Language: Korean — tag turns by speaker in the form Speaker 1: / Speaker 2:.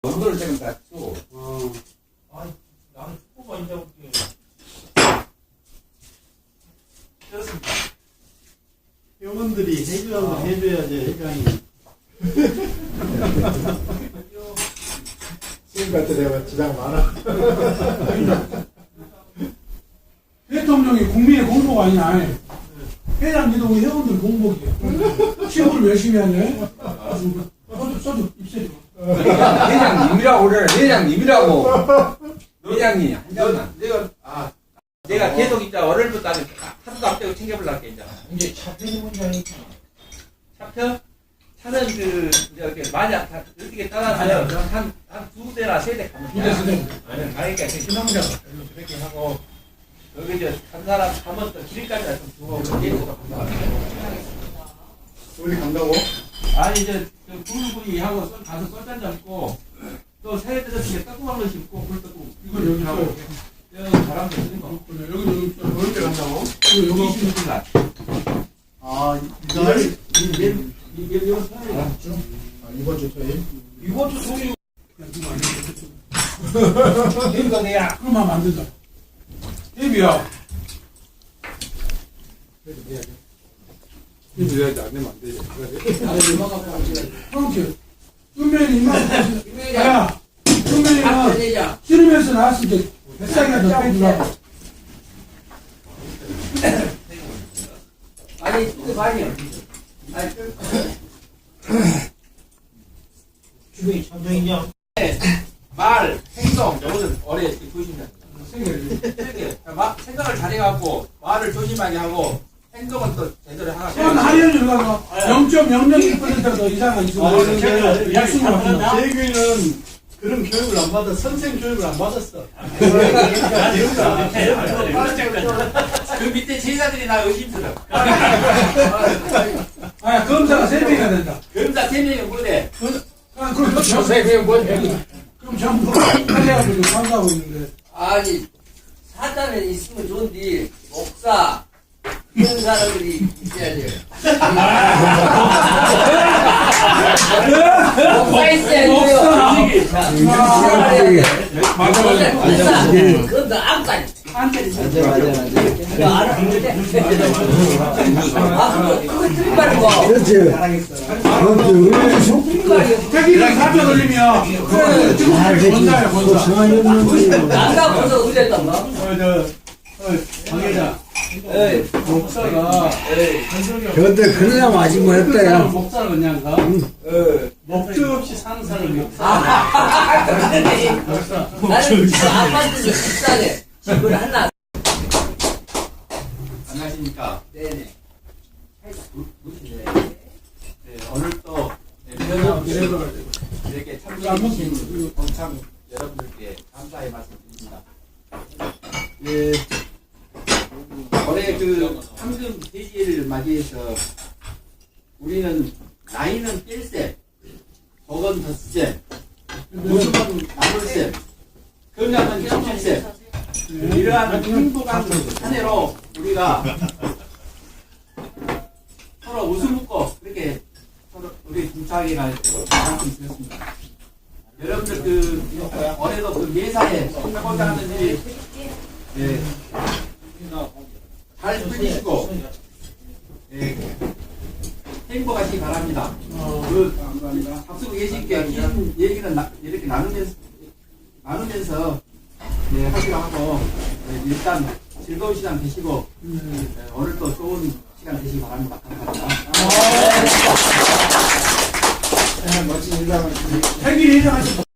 Speaker 1: 온도를 조금 낮추고.
Speaker 2: 아니, 나는 축구만 이제 볼게. 그렇습니다.
Speaker 3: 회원들이 해주라고 해줘야지 회장이. 지금 같은 데가 지장 많아.
Speaker 4: 대통령이 국민의 공복 아니야. 회장님도 우리 회원들 공복이야. 취업을 열심히 하네. 소주 입술이.
Speaker 1: 회장님이라고 그래. 회장님이라고. 회장님 한 잔만. 내가 계속 이제 월요일부터 하루도 안 빼고 챙겨보려고 이제.
Speaker 2: 이제 차편이 문제 아니까.
Speaker 1: 차표? 차는 이제 이렇게 만약 어떻게 따라가면 한 두 대나 세 대 가면 돼. 아니, 가니까 희망자가 그렇게 하고 여기 이제 한 사람 가면 또 길까지 좀 주고 계속
Speaker 3: 우리 간다고?
Speaker 1: 아니 이제 부부이 하고 가서 썰잔 잡고 또 새해 들어서 따끔한 거 심고 물 뜨고
Speaker 4: 이거 여기
Speaker 1: 하고
Speaker 4: 있어요.
Speaker 1: 여기 바람도 쓰는 거.
Speaker 4: 여기 있어요.
Speaker 1: 언제 간다고?
Speaker 4: 이거 여기
Speaker 1: 26일 날.
Speaker 3: 아, 이날?
Speaker 1: 이거 서울이야.
Speaker 3: 이번 주 토요일?
Speaker 1: 이번 주 소유.
Speaker 4: 그럼
Speaker 1: 이거 내야.
Speaker 4: 하면 안 된다. 예비야.
Speaker 3: 이거 해야지, 안 되면 안 되지.
Speaker 4: 그렇게. 은면이 이만. 야, 은면이가 씨름에서 나왔을 때 뱃살이가 더 빼주라고.
Speaker 1: 아니 이거 많이요. 아니
Speaker 2: 주변이 참정이냐?
Speaker 1: 말, 행동, 요거는 어뢰 보신다. 생각을 잘해갖고 말을 조심하게 하고 행동은 또 제대로 하고.
Speaker 4: 하려는 가서 0.001%가 더 이상은 있으면 약속을 합니다.
Speaker 3: 재규는 그런 교육을 안 받아, 선생 교육을 안 받았어.
Speaker 1: 그 밑에 제자들이 나 의심스러워.
Speaker 4: 아, 검사가 3명이나 된다.
Speaker 1: 검사 3명이 뭐래?
Speaker 4: 그럼 그럼 전부 하려고 판사하고 있는데.
Speaker 5: 아니 사단은 있으면 좋은데 목사 이런 사람들이 있어야 돼요. 목사 있어야 돼요. 목사 그건 너 안까지 그거 틀린 거.
Speaker 6: 그렇지.
Speaker 4: 자기는 사표 돌리면 지금 본사야 본사.
Speaker 5: 나가 벌써 그랬단 말.
Speaker 3: 방해자.
Speaker 4: 목사가
Speaker 6: 그런데 그러려면 아직 못했다, 야.
Speaker 3: 목사를 그냥 가? 목적 없이 사는 사람이 목사.
Speaker 5: 나는 그 아파트에서 비싸네. 집을 하나.
Speaker 1: 안녕하십니까.
Speaker 5: 네네.
Speaker 1: 오늘 또 이렇게 참여해주신 동참 여러분들께 감사의 말씀드립니다. 예, 올해 그 황금 대지를 맞이해서 우리는 나이는 1세, 복은 덧세, 웃음은 나물세, 건강은 17세. 이러한 행복한 한 해로 우리가 서로 웃음 웃고 그렇게 서로 우리 동창회가 말씀드렸습니다. 여러분들 그 올해도 그 예사에 성공하고자 하는 일이 잘 풀리시고 행복하시기 바랍니다. 그 앞서고 계신 긴 얘기는 이렇게 나누면서 하기로 하고 일단 즐거운 시간 되시고 오늘 또 좋은 시간 되시기 바랍니다. 감사합니다.
Speaker 3: 멋진 인상을.
Speaker 4: 생일 예정하신